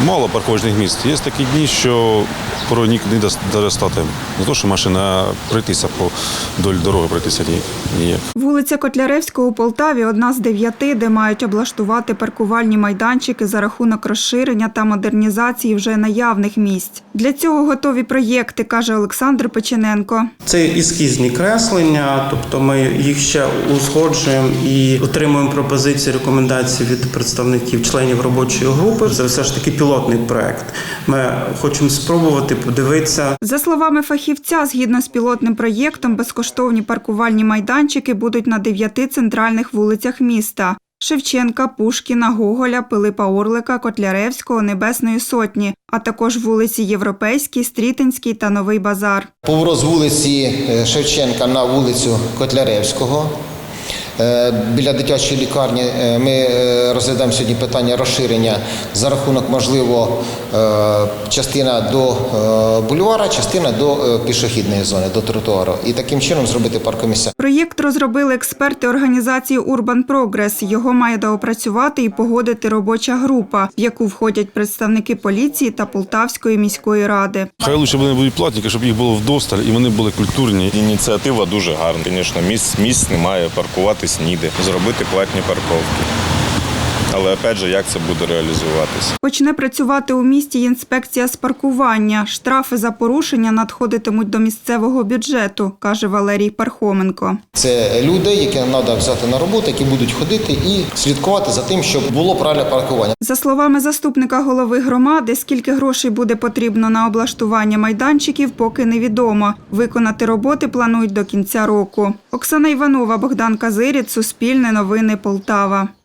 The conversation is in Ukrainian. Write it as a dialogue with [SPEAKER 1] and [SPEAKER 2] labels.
[SPEAKER 1] Мало парковочних місць. Є такі дні, що порой не достати. Не то, що машина пройтися вдоль дороги, пройтися ніяк.
[SPEAKER 2] Вулиця Котляревського у Полтаві – одна з 9, де мають облаштувати паркувальні майданчики за рахунок розширення та модернізації вже наявних місць. Для цього готові проєкти, каже Олександр Печененко.
[SPEAKER 3] Це ескізні креслення, тобто ми їх ще узгоджуємо і отримуємо пропозиції, рекомендації від представників членів робочої групи. Це все ж таки пілотний проєкт. Ми хочемо спробувати подивитися.
[SPEAKER 2] За словами фахівця, згідно з пілотним проєктом, безкоштовні паркувальні майданчики будуть на 9 центральних вулицях міста – Шевченка, Пушкіна, Гоголя, Пилипа Орлика, Котляревського, Небесної Сотні, а також вулиці Європейській, Стрітинській та Новий Базар.
[SPEAKER 4] Поворот з вулиці Шевченка на вулицю Котляревського. Біля дитячої лікарні ми розглядаємо сьогодні питання розширення за рахунок, можливо, частина до бульвара, частина до пішохідної зони, до тротуару. І таким чином зробити паркомісця.
[SPEAKER 2] Проєкт розробили експерти організації Urban Progress. Його має доопрацювати і погодити робоча група, в яку входять представники поліції та Полтавської міської ради.
[SPEAKER 1] Хай лише вони будуть платники, щоб їх було вдосталь і вони були культурні.
[SPEAKER 5] Ініціатива дуже гарна. Звісно, місць немає, паркуватись ніде, зробити платні парковки. Але, опять же, як це буде реалізуватися?
[SPEAKER 2] Почне працювати у місті інспекція з паркування. Штрафи за порушення надходитимуть до місцевого бюджету, каже Валерій Пархоменко.
[SPEAKER 4] Це люди, які треба взяти на роботу, які будуть ходити і слідкувати за тим, щоб було правильне паркування.
[SPEAKER 2] За словами заступника голови громади, скільки грошей буде потрібно на облаштування майданчиків, поки невідомо. Виконати роботи планують до кінця року. Оксана Іванова, Богдан Казиріць, Суспільне новини, Полтава.